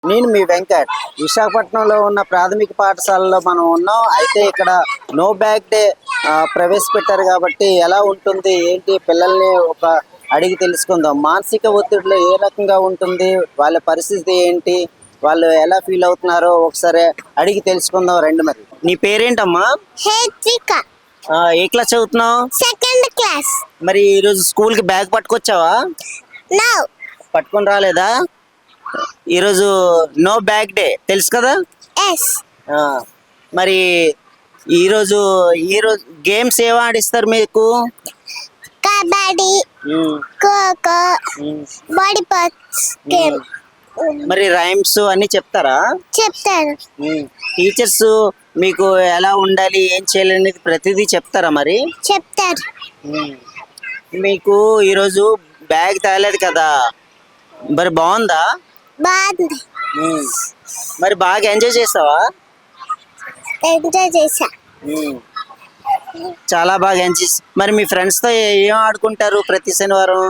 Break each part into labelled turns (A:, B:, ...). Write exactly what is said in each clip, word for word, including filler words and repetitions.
A: నేను మీ వెంకట్. విశాఖపట్నంలో ఉన్న ప్రాథమిక పాఠశాలలో మనం ఉన్నాం. అయితే ఇక్కడ నో బ్యాగ్ డే ప్రవేశపెట్టారు కాబట్టి ఎలా ఉంటుంది ఏంటి పిల్లల్ని ఒక అడిగి తెలుసుకుందాం. మానసిక ఒత్తిడిలో ఏ రకంగా ఉంటుంది, వాళ్ళ పరిస్థితి ఏంటి, వాళ్ళు ఎలా ఫీల్ అవుతున్నారో ఒకసారి అడిగి తెలుసుకుందాం రండి. మరి నీ పేరేంటమ్మా?
B: హేత్రిక.
A: ఆ, ఏ క్లాస్ చదువుతున్నావు?
B: Second class.
A: మరి ఈరోజు స్కూల్ కి బ్యాగ్ పట్టుకొచ్చావా?
B: నో.
A: పట్టుకొని రాలేదా? ఈరోజు నో బ్యాగ్ డే తెలుసు కదా.
B: ఎస్.
A: ఆ, మరి ఈరోజు ఈరోజు గేమ్స్ ఏం ఆడిస్తారు మీకు?
B: కబడ్డీ,
A: ఉమ్,
B: ఖోఖో,
A: ఉమ్,
B: బాడీ పార్ట్స్ గేమ్
A: మరి రైమ్స్ అన్ని చెప్తారా?
B: చెప్తారు.
A: టీచర్స్ మీకు ఎలా ఉండాలి ఏం చేయాలి అనేది ప్రతిదీ చెప్తారా? మరి
B: చెప్తారు.
A: ఉమ్, మీకు ఈరోజు బ్యాగ్ తేలేదు కదా, మరి బాగుందా?
B: బాగుంది.
A: ఉమ్, మరి బాగా ఎంజాయ్ చేస్తావా?
B: ఎంజాయ్ చేసా.
A: ఉమ్, చాలా బాగా ఎంజాయ్ చేసా. మరి మీ ఫ్రెండ్స్ తో ఏం ఆడుకుంటారు ప్రతి శనివారం?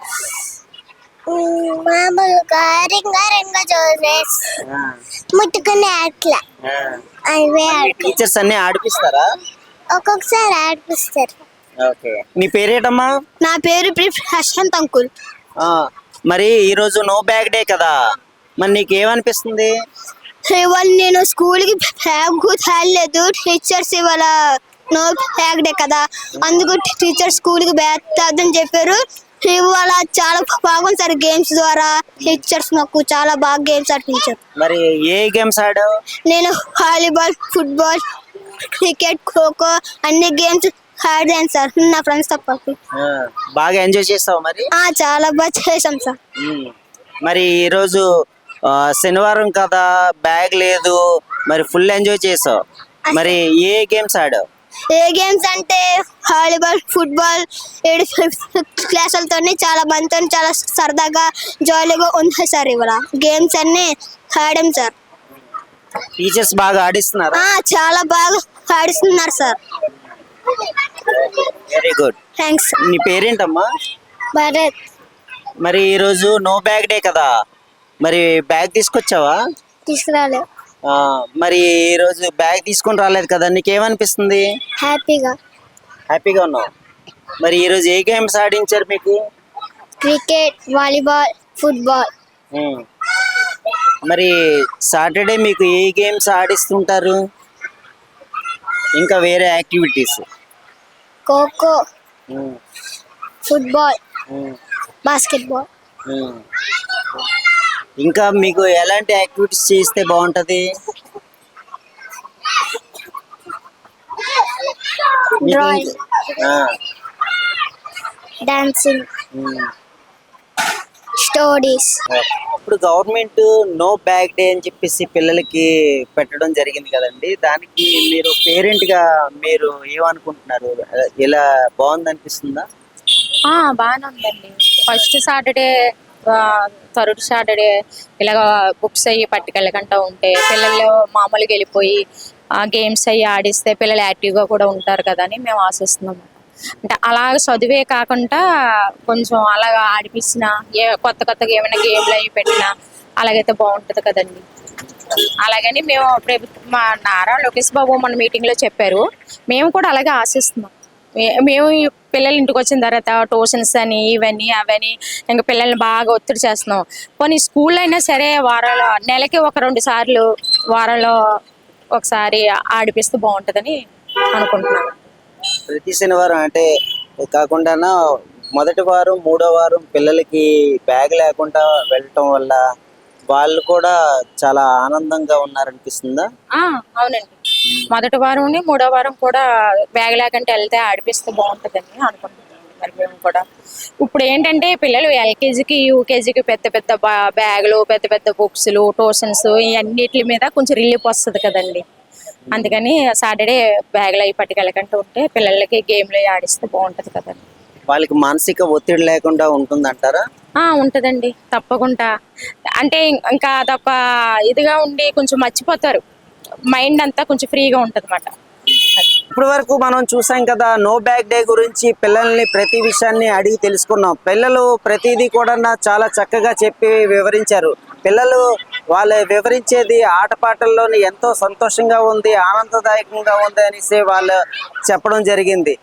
B: ఉమ్, మామూలుగా రింగా రింగా జోసెస్
A: ఆ,
B: ముట్టుకునే అట్లా
A: ఆ.
B: అవే
A: మీ
B: ఆడుకో.
A: టీచర్స్ అన్ని ఆడిపిస్తారా?
B: ఒక్కొక్కసారి ఆడిపిస్తారు.
A: ఓకే. నీ పేరేటమ్మా?
B: నా పేరు ప్రశాంత్ అంకుల్.
A: ఆ, మరి ఈరోజు నో బ్యాగ్ డే కదా, మరి నీకు ఏమనిపిస్తుంది?
B: ఇవాళ నేను స్కూల్ కి బ్యాగ్ తేలేదు. టీచర్స్ ఇవాళ నో బ్యాగ్ డే కదా, అందుకు టీచర్ స్కూల్ కి బ్యాగ్ తేద్దని చెప్పారు. ఇవాళ చాలా బాగుంది సార్. గేమ్స్ ద్వారా టీచర్స్ నాకు చాలా బాగా గేమ్స్ ఆడిపించారు.
A: మరి ఏ గేమ్స్ ఆడావు?
B: నేను వాలీబాల్, ఫుట్బాల్, క్రికెట్, ఖోఖో అన్ని గేమ్స్ ఆడాను సార్, నా ఫ్రెండ్స్ తో పాటు.
A: ఆ, బాగా ఎంజాయ్ చేస్తావు మరి?
B: ఆ, చాలా బాగా చేసాం సార్.
A: ఉమ్. మరి ఈరోజు ఆ, శనివారం కదా, బ్యాగ్ లేదు, మరి ఫుల్ ఎంజాయ్ చేసావు. మరి ఏ గేమ్స్ ఆడావు?
B: ఏ గేమ్స్ అంటే వాలీబాల్, ఫుట్బాల్, ఏడు క్లాసులతో చాలా మందితో చాలా సరదాగా జాలీగా ఉంది సార్. ఇవాళ గేమ్స్ అన్ని ఆడాం సార్.
A: టీచర్స్ బాగా ఆడిస్తున్నారా?
B: ఆ, చాలా బాగా ఆడిస్తున్నారు సార్.
A: Very good.
B: థ్యాంక్స్.
A: నీ పేరేంటమ్మా?
B: భరత్.
A: మరి ఈరోజు నో బ్యాగ్ డే కదా, మరి బ్యాగ్ తీసుకొచ్చావా?
B: తీసుకురాలే.
A: ఆ, మరి ఈరోజు బ్యాగ్ తీసుకొని రాలేదు కదా, నీకేమనిపిస్తుంది?
B: హ్యాపీగా.
A: హ్యాపీగా ఉన్నావు. మరి ఈరోజు ఏ గేమ్స్ ఆడించారు మీకు?
B: Cricket, volleyball, football.
A: ఉమ్. మరి సాటర్డే మీకు ఏ గేమ్స్ ఆడిస్తుంటారు? ఇంకా వేరే యాక్టివిటీస్?
B: ఖోఖో,
A: ఉమ్,
B: ఫుట్బాల్,
A: ఉమ్,
B: బాస్కెట్బాల్.
A: ఉమ్. ఇంకా మీకు ఎలాంటి యాక్టివిటీస్ చేస్తే బాగుంటది? మీకు
B: డ్రాయింగ్,
A: ఆ,
B: డాన్సింగ్,
A: ఉమ్.
B: స్టోరీస్.
A: ఇప్పుడు గవర్నమెంట్ నో బ్యాగ్ డే అని చెప్పేసి పిల్లలకి పెట్టడం జరిగింది కదండి, దానికి మీరు పేరెంట్ గా మీరు ఏమనుకుంటున్నారు? ఇలా బాగుంది అనిపిస్తుందా?
C: ఆ, బాగానే ఉందండి. ఫస్ట్ సాటర్డే, థర్డ్ సాటర్డే ఇలాగ బుక్స్ అయ్యి పట్టుకెళ్ళకుండా ఉంటే పిల్లలు మామూలుగా వెళ్ళిపోయి గేమ్స్ అయ్యి ఆడిస్తే పిల్లలు యాక్టివ్గా కూడా ఉంటారు కదా అని మేము ఆశిస్తున్నాము. అంటే అలాగ చదివే కాకుండా కొంచెం అలాగ ఆడిపించిన ఏ కొత్త కొత్తగా ఏమైనా గేమ్లు అవి పెట్టినా అలాగైతే బాగుంటుంది కదండి. అలాగని మేము ప్రభుత్వం మా నారా లోకేష్ బాబు మన మీటింగ్లో చెప్పారు, మేము కూడా అలాగే ఆశిస్తున్నాం. మే- మేము ఈ పిల్లలు ఇంటికి వచ్చిన తర్వాత ట్యూషన్స్ అని ఇవన్నీ అవన్నీ ఇంకా పిల్లల్ని బాగా ఒత్తిడి చేస్తున్నాం. పోనీ స్కూల్లో అయినా సరే వారాలు నెలకి ఒక రెండు సార్లు వారంలో ఒకసారి ఆడిపిస్తే బాగుంటుందని అనుకుంటున్నాను.
A: ప్రతి శనివారం అంటే కాకుండా మొదటి వారం మూడో వారం పిల్లలకి బ్యాగ్ లేకుండా వెళ్ళటం వల్ల వాళ్ళు కూడా చాలా ఆనందంగా ఉన్నారనిపిస్తుందా?
C: ఆ, అవునండి. మొదటి వారం మూడో వారం కూడా బ్యాగ్ లేకుండా వెళ్తే ఆడిపిస్తే బాగుంటుందని అనుకుంటున్నాను. మరి మేము కూడా ఇప్పుడు ఏంటంటే పిల్లలు ఎల్కేజీకి యూకేజీకి పెద్ద పెద్ద బా- బ్యాగులు, పెద్ద పెద్ద బుక్స్లు, ట్యూషన్స్ ఇవన్నిటి మీద కొంచెం రిలీఫ్ వస్తుంది కదండి. అందుకని సాటర్డే బ్యాగులు అవి పట్టుకెళ్ళకుండా ఉంటే పిల్లలకి గేమ్లు అవి ఆడిస్తే బాగుంటుంది కదండి.
A: వాళ్ళకి మానసిక ఒత్తిడి లేకుండా ఉంటుందంటారా?
C: ఆ, ఉంటుందండి తప్పకుండా. అంటే ఇంకా అదొక ఇదిగా ఉండి కొంచెం మర్చిపోతారు, మైండ్ అంతా కొంచెం ఫ్రీగా ఉంటుంది అన్నమాట.
A: ఇప్పటి వరకు మనం చూసాం కదా, నో బ్యాగ్ డే గురించి పిల్లల్ని ప్రతి విషయాన్ని అడిగి తెలుసుకున్నాం. పిల్లలు ప్రతిదీ కూడా చాలా చక్కగా చెప్పి వివరించారు. పిల్లలు వాళ్ళు వివరించేది ఆటపాటల్లోని ఎంతో సంతోషంగా ఉంది, ఆనందదాయకంగా ఉంది అనేసి వాళ్ళు చెప్పడం జరిగింది.